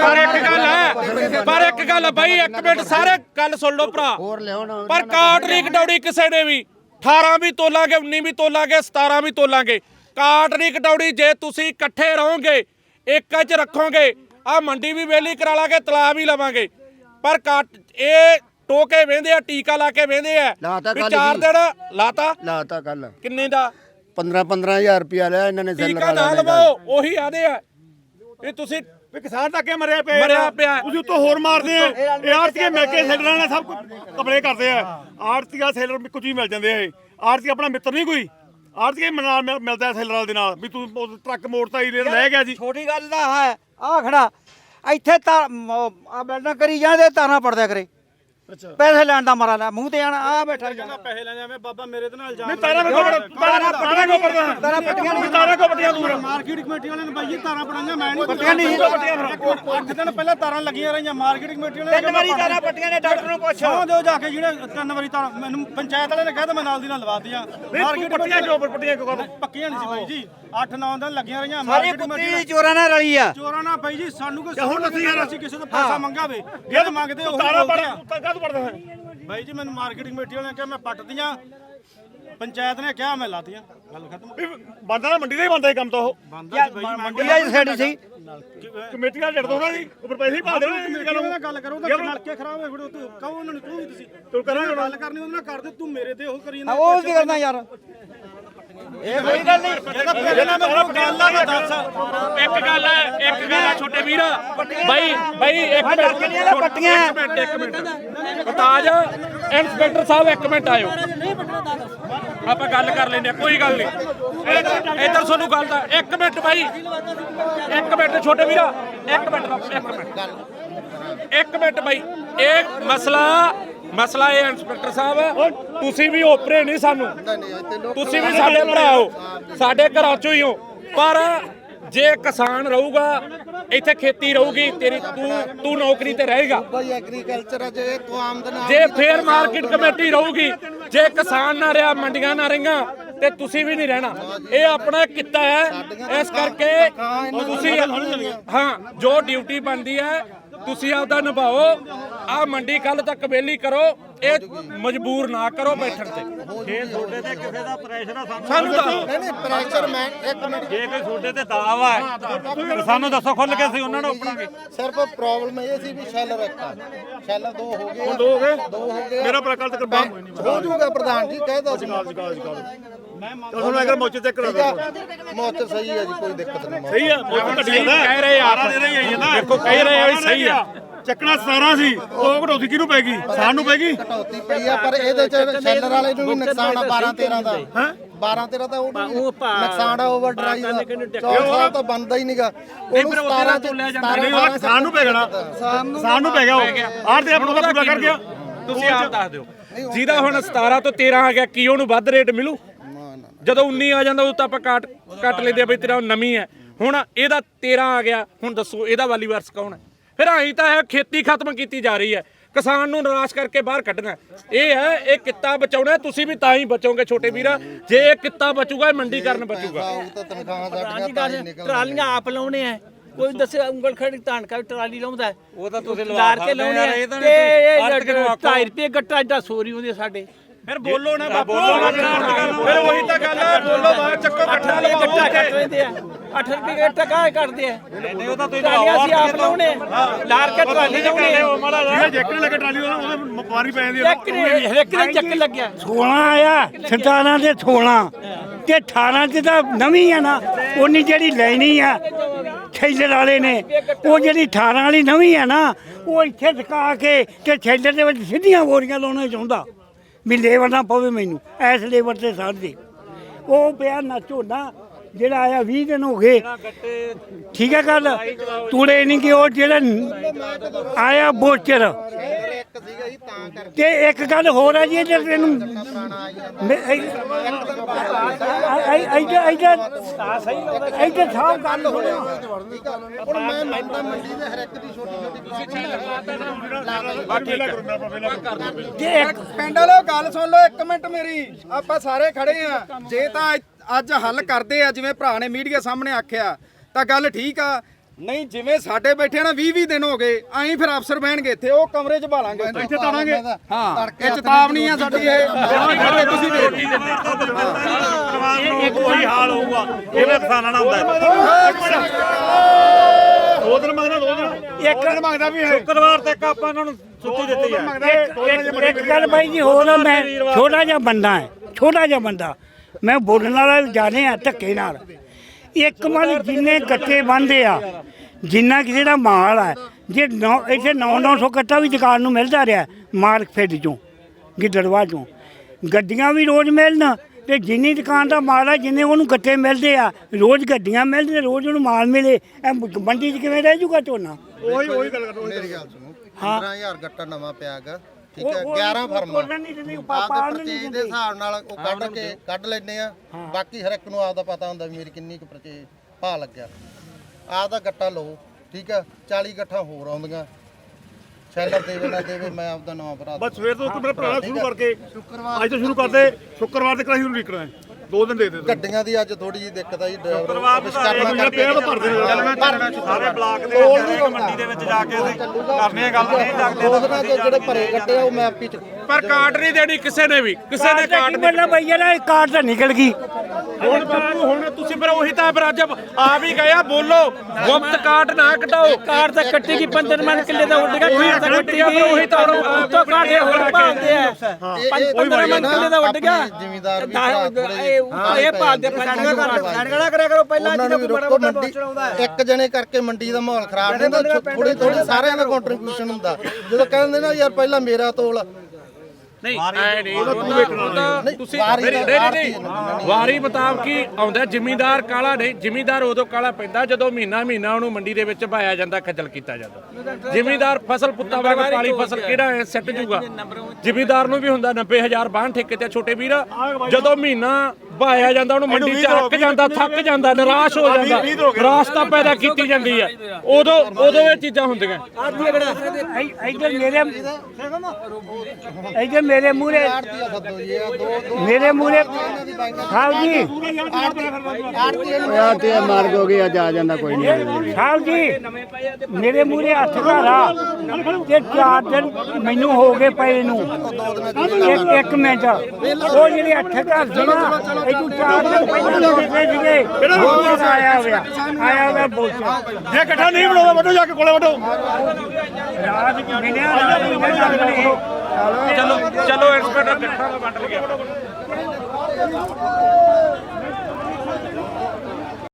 Speaker 5: ਪਰ ਇੱਕ ਗੱਲ ਬਾਈ ਇੱਕ ਮਿੰਟ ਸਾਰੇ ਗੱਲ ਸੁਣ ਲਓ ਭਰਾ ਪਰ ਕਾਟ ਨਹੀਂ ਕਟੌੜੀ ਕਿਸੇ ਨੇ ਵੀ 18 ਵੀ ਤੋਲਾਂਗੇ 19 ਵੀ ਤੋਲਾਂਗੇ 17 ਵੀ ਤੋਲਾਂਗੇ ਕਾਟ ਨਹੀਂ ਕਟੌੜੀ ਜੇ ਤੁਸੀਂ ਇਕੱਠੇ ਰਹੋਗੇ ਇੱਕ 'ਚ ਰੱਖੋਗੇ ਆ ਮੰਡੀ ਵੀ ਵੇਲੀ ਕਰਾ ਲਾਂਗੇ ਤਲਾ ਵੀ ਲਵਾਂਗੇ ਪਰ ਕਾਟ ਇਹ ਟੋਕੇ ਵੇਂਦੇ ਆ ਟੀਕਾ ਲਾ ਕੇ ਵੇਂਦੇ ਆ ਵੀ 4 ਦਿਨ ਲਾਤਾ
Speaker 1: ਕੱਲ
Speaker 5: ਕਿੰਨੇ ਦਾ
Speaker 1: 15,000 ਰੁਪਇਆ ਲਿਆ ਇਹਨਾਂ ਨੇ
Speaker 5: ਟੀਕਾ ਨਾ ਲਵਾਓ ਉਹੀ ਆਦੇ ਆ ਇਹ ਤੁਸੀਂ
Speaker 4: ਵੀ ਕਿਸਾਨ ਤਾਂ ਅੱਗੇ ਮਰਿਆ ਪਿਆ ਤੁਸੀਂ ਉੱਤੋਂ ਹੋਰ ਮਾਰਦੇ ਆ ਇਹ ਆੜਤੀਏ ਮਿਲ ਕੇ ਸੈਲਰਾਂ ਨੇ ਸਭ ਕੁਝ ਕਪੜੇ ਕਰਦੇ ਆ ਆੜਤੀਆ ਸੈਲਰ ਕੁਝ ਵੀ ਮਿਲ ਜਾਂਦੇ ਆ ਇਹ ਆੜਤੀ ਆਪਣਾ ਮਿੱਤਰ ਨਹੀਂ ਕੋਈ ਆੜਤੀਏ ਮਿਲਦਾ ਸੈਲਰਾਂ ਦੇ ਨਾਲ ਵੀ ਤੂੰ ਟਰੱਕ ਮੋੜਤਾ ਹੀ ਲੈ ਗਿਆ ਜੀ
Speaker 2: ਛੋਟੀ ਗੱਲ ਦਾ ਹੈ ਆ ਖੜਾ ਇੱਥੇ ਤਾਂ ਆ ਬੈਲਡਾਂ ਕਰੀ ਜਾਂਦੇ ਤਾਰਾਂ ਪੜਦਿਆ ਕਰੇ ਪੈਸੇ ਲੈਣ ਦਾ ਮਾਰਾ ਲੈ ਮੂੰਹ ਤੇ ਆਣਾ ਆ ਬੈਠਾ
Speaker 6: ਪੈਸੇ ਲੈ ਜਾਵੇਂ ਬਾਬਾ ਮੇਰੇ ਤੇ ਨਾਲ ਇਲਜ਼ਾਮ
Speaker 4: ਨਹੀਂ ਤਾਰਾਂ ਪੱਟੀਆਂ ਕੋ ਪੱਟੀਆਂ ਦੂਰ
Speaker 6: ਮਾਰਕੀਟ ਕਮੇਟੀ ਵਾਲਿਆਂ ਨੇ ਬਾਈ ਤਾਰਾਂ ਪੜਾਈਆਂ ਮੈਂ ਨਹੀਂ
Speaker 2: ਪੱਟੀਆਂ ਨਹੀਂ
Speaker 6: 8 ਦਿਨ ਪਹਿਲਾਂ ਤਾਰਾਂ ਲੱਗੀਆਂ ਰਹੀਆਂ ਮਾਰਕੀਟ ਕਮੇਟੀ ਵਾਲਿਆਂ ਨੇ
Speaker 2: 3 ਵਾਰੀ ਤਾਰਾਂ ਪੱਟੀਆਂ ਨੇ ਡਾਕਟਰ ਨੂੰ ਪੁੱਛ
Speaker 6: ਸੌਂ ਦਿਓ ਜਾ ਕੇ ਜਿਹੜੇ 3 ਵਾਰੀ ਤਾਰਾਂ ਮੈਨੂੰ ਪੰਚਾਇਤ ਵਾਲੇ ਨੇ ਕਹਿ ਤਾ ਮੈਂ ਨਾਲ ਦੀ ਨਾਲ ਲਵਾ ਦਿੱਤੀਆਂ ਮਾਰਕੀਟ
Speaker 4: ਪੱਟੀਆਂ ਕਿਉਂ
Speaker 6: ਪੱਕੀਆਂ ਨਹੀਂ ਸੀ ਬਾਈ ਜੀ 8-9 ਦਿਨ ਲੱਗੀਆਂ ਰਹੀਆਂ
Speaker 2: ਸਾਰੀ ਕੁੱਤੀ ਚੋਰਾਂ ਨਾਲ ਰਲੀ ਆ
Speaker 6: ਚੋਰਾਂ ਨਾਲ ਬਾਈ ਜੀ ਸਾਨੂੰ ਕੋਈ
Speaker 4: ਹੁਣ
Speaker 6: ਅਸੀਂ ਕਿਸੇ ਤੋਂ ਪੈਸਾ ਮੰਗਾਵੇ ਜਦ ਮੰਗਦੇ ਉਹ
Speaker 4: ਤਾਰਾਂ ਪੜਦਾ
Speaker 6: ਬਾਈ ਜੀ ਮੈਨੂੰ ਮਾਰਕੀਟ ਕਮੇਟੀ ਵਾਲਿਆਂ ਨੇ ਕਿਹਾ ਮੈਂ ਪੱਟਦੀਆਂ ਪੰਚਾਇਤ ਨੇ ਕਿਹਾ ਮੈਂ ਲਾਤੀਆਂ ਗੱਲ ਖਤਮ
Speaker 4: ਬੰਦਾ ਮੰਡੀ ਦਾ ਹੀ ਬੰਦਾ ਕੰਮ ਤਾਂ ਉਹ
Speaker 2: ਮੰਡੀ ਵਾਲੀ ਸਾਈਡ ਸੀ
Speaker 4: ਕਮੇਟੀ ਦਾ ਜੜ ਦੋ ਨਾ ਜੀ ਉੱਪਰ ਪੈਸੇ ਹੀ ਪਾ ਦੇਣਾ
Speaker 6: ਗੱਲ ਕਰੋ ਤਾਂ ਨਲਕੇ ਖਰਾਬ ਹੋਏ ਫਿਰ ਤੂੰ ਕਹੋ ਉਹਨਾਂ ਨੂੰ ਤੂੰ ਵੀ ਤੁਸੀਂ
Speaker 4: ਤੂੰ ਕਰਾਂਗੇ
Speaker 6: ਗੱਲ ਕਰਨੀ ਉਹਦੇ ਨਾਲ ਕਰ ਦੇ ਤੂੰ ਮੇਰੇ ਤੇ ਉਹ ਕਰੀ ਜਾਂਦਾ
Speaker 2: ਉਹ ਕੀ ਕਰਨਾ ਯਾਰ ਇਹ ਕੋਈ ਗੱਲ ਨਹੀਂ
Speaker 6: ਇਹਦਾ ਪਹਿਲੇ ਨਾਲ ਮੈਂ ਗੱਲ ਆ ਮੈਂ ਦੱਸ
Speaker 5: ਇੱਕ ਗੱਲ ਹੈ ਛੋਟੇ ਵੀਰ ਬਾਈ ਇੱਕ ਮਿੰਟ ਤਾਜ ਇੰਸਪੈਕਟਰ ਸਾਹਿਬ ਇੱਕ ਮਿੰਟ ਆਇਓ ਆਪਾਂ ਗੱਲ ਕਰ ਲੈਂਦੇ ਆ ਕੋਈ ਗੱਲ ਨਹੀਂ ਇੱਧਰ ਤੁਹਾਨੂੰ ਗੱਲ ਦਾ ਇੱਕ ਮਿੰਟ ਬਾਈ ਇੱਕ ਮਿੰਟ ਛੋਟੇ ਵੀਰਾ ਇੱਕ ਮਿੰਟ ਬਾਈ ਇਹ ਮਸਲਾ ਇਹ ਇੰਸਪੈਕਟਰ ਸਾਹਿਬ ਤੁਸੀਂ ਵੀ ਓਪਰੇ ਨਹੀਂ ਸਾਨੂੰ ਤੁਸੀਂ ਵੀ ਸਾਡੇ ਭਰਾ ਹੋ ਸਾਡੇ ਘਰਾਂ ਚੋਂ ਹੀ ਹੋ ਪਰ ਜੇ ਕਿਸਾਨ ਰਹੂਗਾ ਇੱਥੇ ਖੇਤੀ ਰਹੂਗੀ ਤੇਰੀ ਤੂੰ ਨੌਕਰੀ ਤੇ ਰਹੇਗਾ
Speaker 3: ਭਾਈ ਐਗਰੀਕਲਚਰ ਜੇ ਤੂੰ ਆਮਦਨ
Speaker 5: ਜੇ ਫੇਰ ਮਾਰਕੀਟ ਕਮੇਟੀ ਰਹੂਗੀ ਜੇ ਕਿਸਾਨ ਨਾ ਰਿਹਾ ਮੰਡੀਆਂ ਨਾ ਰਹੀਆਂ ਤੇ ਤੁਸੀਂ ਵੀ ਨਹੀਂ ਰਹਿਣਾ ਇਹ ਆਪਣਾ ਕਿੱਤਾ ਹੈ ਇਸ ਕਰਕੇ ਤੁਸੀਂ ਹਾਂ ਜੋ ਡਿਊਟੀ ਬਣਦੀ ਹੈ ਤੁਸੀਂ ਆਪਦਾ ਨਿਭਾਓ ਆ ਮੰਡੀ ਕੱਲ ਤੱਕ ਵੇਲੀ ਕਰੋ ਇਹ ਮਜਬੂਰ ਨਾ ਕਰੋ ਬੈਠਣ ਤੇ
Speaker 4: ਜੇ ਤੁਹਾਡੇ ਤੇ ਕਿਸੇ ਦਾ ਪ੍ਰੈਸ਼ਰ ਆ
Speaker 5: ਸਾਨੂੰ ਦੱਸੋ
Speaker 3: ਨਹੀਂ ਪ੍ਰੈਸ਼ਰ ਮੈਂ ਇੱਕ ਮਿੰਟ
Speaker 4: ਜੇ ਕੋਈ ਤੁਹਾਡੇ ਤੇ ਦਾਵਾ ਹੈ ਸਾਨੂੰ ਦੱਸੋ ਖੁੱਲ ਕੇ ਅਸੀਂ ਉਹਨਾਂ ਨੂੰ ਆਪਣਾਗੇ
Speaker 3: ਸਿਰਫ ਪ੍ਰੋਬਲਮ ਇਹ ਸੀ ਵੀ ਸ਼ੈਲਰ ਇੱਕ ਆ ਸ਼ੈਲਰ ਦੋ ਹੋ ਗਏ
Speaker 4: ਹੁਣ ਦੋ ਹੋ ਗਏ ਮੇਰਾ ਪ੍ਰਕਲ ਤੱਕ ਬੰਦ
Speaker 3: ਹੋ ਜਾਊਗਾ ਪ੍ਰਧਾਨ ਜੀ ਕਹਿਦਾ ਸੀ
Speaker 4: ਹੁਣ ਅਗਰ ਮੋਚੇ ਚੈੱਕ ਕਰਾ
Speaker 3: ਮੌਤ ਸਹੀ ਹੈ ਜੀ ਕੋਈ ਦਿੱਕਤ ਨਹੀਂ
Speaker 4: ਸਹੀ ਆ ਮੋਚੇ ਘਟੀ ਜਾਂਦਾ
Speaker 5: ਕਹਿ ਰਹੇ ਆ ਦੇਖੋ ਕਹਿ ਰਹੇ ਆ ਵੀ ਸਹੀ ਆ
Speaker 4: ਚੱਕਣਾ 17 ਸੀ ਉਹ ਘਟੌਤੀ ਕਿਹਨੂੰ ਪੈ ਗਈ ਸਾਨੂੰ ਪੈ ਗਈ
Speaker 3: ਘਟੌਤੀ ਪਈ ਆ ਪਰ ਇਹਦੇ ਚ ਸ਼ੈਲਰ ਵਾਲੇ ਨੂੰ ਵੀ ਨੁਕਸਾਨ ਆ 12-13 ਦਾ 12-13 ਦਾ ਉਹ ਨੁਕਸਾਨ ਆ ਓਵਰ ਡਰਾਈਵ ਦਾ 4 ਸਾਲ ਤਾਂ ਬੰਦਾ ਹੀ ਨਹੀਂਗਾ ਉਹਨੂੰ 17 ਤੋਂ ਲੈ ਜਾਂਦਾ
Speaker 4: ਨਹੀਂ ਉਹ ਸਾਨੂੰ ਪੈ ਜਾਣਾ ਸਾਨੂੰ ਪੈ ਗਿਆ ਉਹ ਆਰ ਤੇ ਆਪਣਾ ਪੂਰਾ ਕਰ ਗਿਆ
Speaker 5: ਤੁਸੀਂ ਆਪ ਦੱਸ ਦਿਓ ਜਿਹਦਾ ਹੁਣ 17 ਤੋਂ 13 ਆ ਗਿਆ ਕੀ ਉਹਨੂੰ ਵੱਧ ਰੇਟ ਮਿਲੂ ਜਦੋਂ 19 ਆ ਜਾਂਦਾ ਉਹ ਤਾਂ ਆਪਾਂ ਕੱਟ ਲੈਂਦੇ ਆ ਬਈ ਤੇਰਾ ਨਵੀਂ ਹੈ ਹੁਣ ਇਹਦਾ 13 ਆ ਗਿਆ ਹੁਣ ਦੱਸੋ ਇਹਦਾ ਵਾਲੀ ਵਾਰਸ ਕੌਣ ਹੈ ਫਿਰ ਆਈ ਤਾਂ ਹੈ ਖੇਤੀ ਖਤਮ ਕੀਤੀ ਜਾ ਰਹੀ ਹੈ ਕਿਸਾਨ ਨੂੰ ਨਿਰਾਸ਼ ਕਰਕੇ ਬਾਹਰ ਕੱਢਣਾ ਇਹ ਹੈ ਇਹ ਕਿੱਤਾ ਬਚਾਉਣਾ ਤੁਸੀਂ ਵੀ ਤਾਂ ਹੀ ਬਚੋਗੇ ਛੋਟੇ ਵੀਰਾ ਜੇ ਇਹ ਕਿੱਤਾ ਬਚੂਗਾ ਇਹ ਮੰਡੀਕਰਨ ਬਚੂਗਾ
Speaker 3: ਉਹ ਤਾਂ ਤਨਖਾਹਾਂ ਸਾਡੀਆਂ ਤਾਂ ਹੀ ਨਿਕਲ
Speaker 7: ਟਰਾਲੀਆਂ ਆਪ ਲਾਉਣੇ ਆ ਕੋਈ ਦੱਸੇ ਉਂਗਲ ਖੜੀ ਧਾਨ ਕਾ ਟਰਾਲੀ ਲਾਉਂਦਾ
Speaker 2: ਉਹ ਤਾਂ ਤੁਸੀਂ
Speaker 7: ਲਾਰ ਕੇ ਲਾਉਣੇ ਆ ਤੇ 2.5 ਰੁਪਏ ਗੱਟਾ ਏਡਾ ਸੋਰੀ ਹੁੰਦੀ ਸਾਡੇ
Speaker 5: ਫਿਰ ਬੋਲੋ ਨਾ ਬਾਪੂ ਫਿਰ ਉਹੀ ਤਾਂ ਗੱਲ ਹੈ ਬੋਲੋ ਬਾਹਰ ਚੱਕੋ
Speaker 7: 8 ਰੁਪਏ ਗੱਟਾ ਕੱਟ ਲੈਂਦੇ ਆ 8 ਰੁਪਏ ਗੱਟਾ ਕਾਹ ਕੱਟਦੇ ਆ ਉਹ ਤਾਂ ਤੁਸੀਂ ਅਸੀਂ ਆਪ ਲਾਉਣੇ ਲਾਰ ਕੇ ਟਰਾਲੀ ਲਾਉਣੇ
Speaker 4: ਜਿਹੜਾ ਜੈਕਟ ਲੱਗੇ ਟਰਾਲੀ ਉਹਦੇ ਵਪਾਰੀ ਪੈ ਜਾਂਦੀ ਆ
Speaker 7: ਇੱਕ ਨੇ ਚੱਕ ਲੱਗਿਆ
Speaker 8: 16 ਆਇਆ 17 ਦੇ 16 ਤੇ 18 ਚ ਤਾਂ ਨਵੀਂ ਆ ਨਾ ਉਹਨੀ ਜਿਹੜੀ ਲੈਣੀ ਆ ਥੈਲਰ ਵਾਲੇ ਨੇ ਉਹ ਜਿਹੜੀ 18 ਵਾਲੀ ਨਵੀਂ ਆ ਨਾ ਉਹ ਇੱਥੇ ਟਿਕਾ ਕੇ ਤੇ ਥੈਲਰ ਦੇ ਵਿੱਚ ਸਿੱਧੀਆਂ ਬੋਰੀਆਂ ਲਾਉਣਾ ਚਾਹੁੰਦਾ ਵੀ ਲੇਬਰ ਨਾ ਪਵੇ ਮੈਨੂੰ ਐਸ ਲੇਬਰ ਤੇ ਸਾੜ ਦੇ ਉਹ ਪਿਆ ਨਾ ਝੋਨਾ ਜਿਹੜਾ ਆਇਆ 20 ਦਿਨ ਹੋ ਗਏ ਠੀਕ ਹੈ ਗੱਲ ਤੂੜੇ ਨਹੀਂ ਕਿ ਉਹ ਜਿਹੜਾ ਆਇਆ ਬੋਚਰ ਤੇ ਇੱਕ ਗੱਲ ਹੋਰ ਹੈ ਜੀ ਇਹ ਤੈਨੂੰ ਇੱਧਰ ਸਾਫ ਗੱਲ ਸੁਣਿਓ
Speaker 3: ਹੁਣ ਮੈਂ ਮੰਨਦਾ ਮੰਡੀ ਦੇ ਹਰ ਇੱਕ ਦੀ ਛੋਟੀ
Speaker 6: ਜੇ ਇੱਕ ਪਿੰਡ ਵਾਲੋ ਗੱਲ ਸੁਣ ਲਓ ਇੱਕ ਮਿੰਟ ਮੇਰੀ ਆਪਾਂ ਸਾਰੇ ਖੜੇ ਆ ਜੇ ਤਾਂ ਅੱਜ ਹੱਲ ਕਰਦੇ ਆ ਜਿਵੇਂ ਭਰਾ ਨੇ ਮੀਡੀਆ ਸਾਹਮਣੇ ਆਖਿਆ ਤਾਂ ਗੱਲ ਠੀਕ ਆ ਨਹੀਂ ਜਿਵੇਂ ਸਾਡੇ ਬੈਠੇ ਨਾ 20 ਦਿਨ ਹੋ ਗਏ ਐਂ ਫਿਰ ਅਫਸਰ ਬਹਿਣਗੇ ਇੱਥੇ ਉਹ ਕਮਰੇ 'ਚ ਭਾਲਾਂਗੇ ਇੱਥੇ ਤਾਰਾਂਗੇ ਹਾਂ ਇਹ ਚੇਤਾਵਨੀ ਆ ਸਾਡੀ ਇਹ ਤੁਸੀਂ
Speaker 4: ਉਹੀ ਹਾਲ ਹੋਊਗਾ ਇਹਦਾ ਕਿਸਾਨਾਂ ਨਾਲ ਹੁੰਦਾ ਦੋ ਦਿਨ ਮੰਗਦਾ ਇੱਕ ਦਿਨ ਮੰਗਦਾ ਵੀ ਸ਼ੁੱਕਰਵਾਰ ਤੱਕ ਆਪਾਂ ਇਹਨਾਂ ਨੂੰ ਛੁੱਟੀ ਦਿੱਤੀ ਹੈ
Speaker 8: ਇੱਕ ਗੱਲ ਬਾਈ ਜੀ ਹੋਰ ਮੈਂ ਛੋਟਾ ਜਿਹਾ ਬੰਦਾ ਮੈਂ ਬੋਲਣ ਵਾਲਾ ਜਾਣੇ ਆ ਧੱਕੇ ਨਾਲ ਇੱਕ ਮਨ ਜਿੰਨੇ ਗੱਟੇ ਬੰਦੇ ਆ ਜਿੰਨਾ ਕਿਸੇ ਦਾ ਮਾਲ ਹੈ, ਜੇ ਇੱਥੇ 900 ਕੱਟਾ ਵੀ ਦੁਕਾਨ ਨੂੰ ਮਿਲਦਾ ਰਿਹਾ ਮਾਰਕੀਟ ਚੋਂ, ਗਿੱਦੜਵਾ ਚੋਂ, ਗੱਡੀਆਂ ਵੀ ਰੋਜ਼ ਮਿਲਣ ਤੇ ਜਿੰਨੀ ਦੁਕਾਨ ਦਾ ਮਾਲ ਹੈ, ਜਿੰਨੇ ਉਹਨੂੰ ਗੱਟੇ ਮਿਲਦੇ ਆ, ਰੋਜ਼ ਗੱਡੀਆਂ ਮਿਲਦੇ, ਰੋਜ਼ ਉਹਨੂੰ ਮਾਲ ਮਿਲੇ, ਇਹ ਮੰਡੀ 'ਚ ਕਿਵੇਂ ਰਹਿ ਜੂਗਾ ਝੋਨਾ?
Speaker 4: ਉਹੀ ਗੱਲ ਕਰੋ।
Speaker 3: ਮੇਰੀ ਗੱਲ ਸੁਣੋ, 15000 ਗੱਟਾ ਨਵਾਂ ਪਿਆਗਾ, ਠੀਕ ਹੈ, 11 ਫਰਮਾਂ ਆਪਦੇ ਪਰਚੇਜ ਦੇ ਹਿਸਾਬ ਨਾਲ ਉਹ ਕੱਢ ਲੈਂਦੇ ਆ। ਬਾਕੀ ਹਰ ਇੱਕ ਨੂੰ ਆਪਦਾ ਪਤਾ ਹੁੰਦਾ ਵੀ ਮੇਰੀ ਕਿੰਨੀ ਕੁ ਪਰਚੇਜ ਭਾਅ ਲੱਗਿਆ, ਆਪਦਾ ਗੱਟਾ ਲਓ, ਠੀਕ ਆ। 40 ਗੱਠਾਂ ਹੋਰ ਆਉਂਦੀਆਂ, ਸੈਲਰ ਦੇਵੇ ਨਾ ਦੇਵੇ, ਮੈਂ ਆਪਦਾ ਨਵਾਂ ਭਰਾ
Speaker 4: ਬਸ ਸਵੇਰ ਤੋਂ ਮੇਰਾ ਭਰਾ ਸ਼ੁਰੂ ਕਰਕੇ ਅੱਜ ਤੋਂ ਸ਼ੁਰੂ ਕਰਦੇ, ਸ਼ੁੱਕਰਵਾਰ ਤੱਕ ਅਸੀਂ ਨਿਕਲਣਾ ਹੈ, 2 ਦਿਨ ਦੇ ਦੇ।
Speaker 3: ਗੱਡੀਆਂ ਦੀ ਅੱਜ ਥੋੜੀ ਜਿਹੀ ਦਿੱਕਤ ਆਈ,
Speaker 4: ਸਾਰੇ ਬਲਾਕ ਦੇ ਮੰਡੀ ਦੇ ਵਿੱਚ ਜਾ ਕੇ ਅਸੀਂ ਕਰਨੇ ਆ ਗੱਲ, ਨਹੀਂ ਲੱਗਦੇ
Speaker 3: ਉਹਨਾਂ ਦੇ ਜਿਹੜੇ ਭਰੇ ਗੱਡੇ ਆ ਉਹ ਮੈਂ ਆਪੀ ਚ
Speaker 5: ਪਰ ਕਾਟ ਨਹੀਂ ਦੇਣੀ ਕਿਸੇ ਨੇ ਵੀ, ਕਿਸੇ ਨੇ ਕਾਟ ਨਹੀਂ।
Speaker 8: ਮਤਲਬ ਬਈ ਯਾਰ ਕਾਰਡ ਤਾਂ ਨਿਕਲ ਗਈ।
Speaker 5: ਹੁਣ ਤੁਸੀਂ ਫਿਰ ਉਹੀ ਤਾਂ ਫਿਰ ਅੱਜ ਆਪ ਹੀ ਗਏ ਆ, ਬੋਲੋ ਗੁਪਤ ਕਾਟ ਨਾ ਕਟਾਓ।
Speaker 7: ਕਾਰ ਤਾਂ ਕੱਟੇਗੀ 15 ਮਨ ਕਿੱਲੇ ਦਾ ਉੱਡ ਗਿਆ, ਕਾਰ ਤਾਂ ਕੱਟੇਗੀ,
Speaker 5: ਉਹੀ ਤਾਂ
Speaker 7: ਉੱਤੋਂ ਕਾਟੇ ਹੋਰ ਭਾਲਦੇ ਆ, 15 ਮਨ ਕਿੱਲੇ ਦਾ ਉੱਡ ਗਿਆ,
Speaker 3: ਜ਼ਿਮੀਦਾਰ ਵੀ
Speaker 7: ਇਹ ਭਾਲਦੇ
Speaker 2: ਸੜਗੜਾ ਕਰਿਆ ਕਰੋ ਪਹਿਲਾਂ,
Speaker 3: ਉਹਨਾਂ ਨੂੰ ਵੀ ਰੋਕੋ। ਮੰਡੀ ਇੱਕ ਜਣੇ ਕਰਕੇ ਮੰਡੀ ਦਾ ਮਾਹੌਲ ਖਰਾਬ ਨਹੀਂ ਹੁੰਦਾ, ਥੋੜੀ ਸਾਰਿਆਂ ਦਾ ਕੰਟਰੀਬਿਊਸ਼ਨ ਹੁੰਦਾ। ਜਦੋਂ ਕਹਿੰਦੇ ਨਾ ਯਾਰ ਪਹਿਲਾਂ ਮੇਰਾ ਤੋਲ,
Speaker 5: ਨਹੀਂ ਐ ਨਹੀਂ ਤੁਸੀਂ ਵਾਰੀ ਮੁਤਾਬਕ ਹੀ ਆਉਂਦਾ। ਜ਼ਿਮੀਂਦਾਰ ਕਾਲਾ ਨਹੀਂ, ਜ਼ਿਮੀਂਦਾਰ ਉਦੋਂ ਕਾਲਾ ਪੈਂਦਾ ਜਦੋਂ ਮਹੀਨਾ ਉਹਨੂੰ ਮੰਡੀ ਦੇ ਵਿੱਚ ਪਾਇਆ ਜਾਂਦਾ, ਖੱਜਲ ਕੀਤਾ ਜਾਂਦਾ। ਜ਼ਿਮੀਂਦਾਰ ਫਸਲ ਪੁੱਤਾਂ ਵਾਂਗ ਪਾਲੀ ਫਸਲ ਕਿਹੜਾ ਐ ਸਿੱਟ ਜੂਗਾ। ਜ਼ਿਮੀਂਦਾਰ ਨੂੰ ਵੀ ਹੁੰਦਾ 90000 ਬਾਹਨ ਠੇਕੇ ਤੇ ਛੋਟੇ ਵੀਰ, ਜਦੋਂ ਮਹੀਨਾ ਪਾਇਆ ਜਾਂਦਾ ਉਹਨੂੰ ਮੰਡੀ 'ਚ ਅੱਕ ਜਾਂਦਾ, ਥੱਕ ਜਾਂਦਾ, ਨਿਰਾਸ਼ ਹੋ ਜਾਂਦਾ, ਨਿਰਾਸ਼ਤਾ ਪੈਦਾ ਕੀਤੀ ਜਾਂਦੀ ਆ, ਉਦੋਂ ਇਹ ਚੀਜ਼ਾਂ ਹੁੰਦੀਆਂ।
Speaker 8: ਮੇਰੇ ਮੂਹਰੇ ਸਾਹਿਬ ਜੀ,
Speaker 1: ਤੇ ਮਾਰਗ ਹੋ ਗਈ, ਅੱਜ ਆ ਜਾਂਦਾ ਕੋਈ ਨਹੀਂ।
Speaker 8: ਸਾਹਿਬ ਜੀ ਮੇਰੇ ਮੂਹਰੇ ਹੱਥ ਘਾਰਾ ਤੇ 4 ਦਿਨ ਮੈਨੂੰ ਹੋ ਗਏ ਪਏ ਨੂੰ, ਇੱਕ ਮਿੰਟ, ਉਹ ਜਿਹੜੇ 8 ਘਰ ਸੀ ਨਾ, ਇਹ ਤੂੰ 4 ਦਿਨ ਪਹਿਲਾਂ ਲੋਟੇ ਸੀਗੇ, ਆਇਆ ਹੋਇਆ ਬੋਚਾ।
Speaker 4: ਜੇ ਇਕੱਠਾ ਨਹੀਂ ਬਣਾਉਂਦਾ ਵੱਡੋ, ਜਾ ਕੇ ਕੋਲੇ ਵੱਡੋ।
Speaker 8: ਰਾਤ ਚ ਮਿਲਿਆ
Speaker 5: ਚਲੋ ਇੰਸਪੈਕਟਰ ਇਕੱਠਾ ਵੰਡ ਲਿਆ।